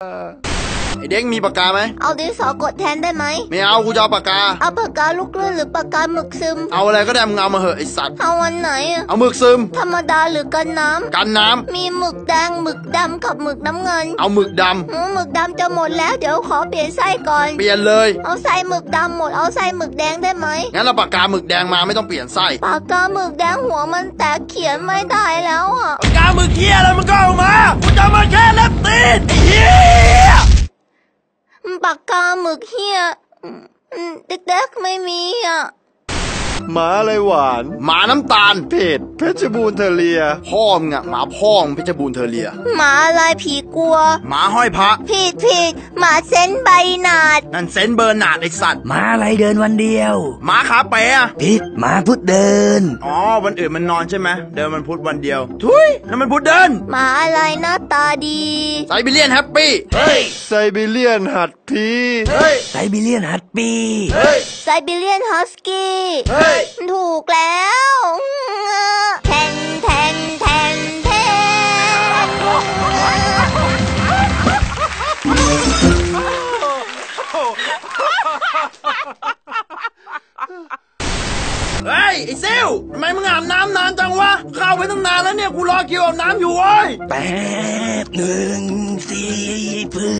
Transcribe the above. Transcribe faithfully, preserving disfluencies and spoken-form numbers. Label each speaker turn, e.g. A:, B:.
A: ไอเด็กมีปากกาไหม
B: เอาดินสอกดแทนได้ไหม
A: ไม่เอากูจะเอาปากกา
B: เอาปากกาลูกเลื่อนหรือปากกาหมึกซึม
A: เอาอะไรก็ได้มึงเอามาเหอะไอสัตว์
B: เอาวันไหนอะ
A: เอาหมึกซึม
B: ธรรมดาหรือกันน้ำ
A: กันน้ำ
B: มีหมึกแดงหมึกดำกับหมึกน้ำเงิน
A: เอาหมึกดำ
B: หมึกดำจะหมดแล้วเดี๋ยวขอเปลี่ยนไส้ก่อน
A: เปลี่ยนเลย
B: เอาไส้หมึกดำหมดเอาไส้หมึกแดงได้ไหม
A: งั้นเราปากกาหมึกแดงมาไม่ต้องเปลี่ยนไส้
B: ปากกาหมึกแดงหัวมันแตกเขียนไม่ได้แล้วอะ
A: ปากกาหมึกเหี้ยอะไรมันก็เอามากูจะมาแค่เล็บตีนเหี้ย
B: ปากกาหมึกเฮียเด็กๆไม่มีอ่ะ
C: หมาอะไรหวาน
A: หมาน้ำตาล
C: เผ็ดเพชรบูรณ์เทเลีย
A: พ่อมึงอะหมาพ่อมึงเพชรบูรณ์เทเลีย
B: หมาอะไรผีกลัว
A: หมาห้อยพระ
B: ผิดผิดหมาเซนใบหนาด
A: นั่นเซนเบอร์นาดไอสัตว์
D: หมาอะไรเดินวันเดียว
A: หมาขาเป๋อะ
D: ผิดหมาพุธเดิน
A: อ๋อวันอื่นมันนอนใช่ไหมเดินมันพุธวันเดียวทุยนั่นมันพุธเดิน
B: หมาอะไรหน้าตาดี
A: ไซบีเรียนแฮปปี้
C: เฮ้ยไซบีเรียนหัดพี
A: เฮ้ย
D: ไซบีเรียนฮัสปี้
A: เฮ้ย
B: ไซบีเรียนฮัสกี้
A: เฮ้ย
B: ถูกแล้วแทนแทนแทนแทน
A: เฮ้ยไอ้ซิลทำไมมึงอาบน้ำนานจังวะเข้าไปตั้งนานแล้วเนี่ยกูรอคิวอาบน้ำอยู่เว้ย
D: แป๊บหนึ่งสี่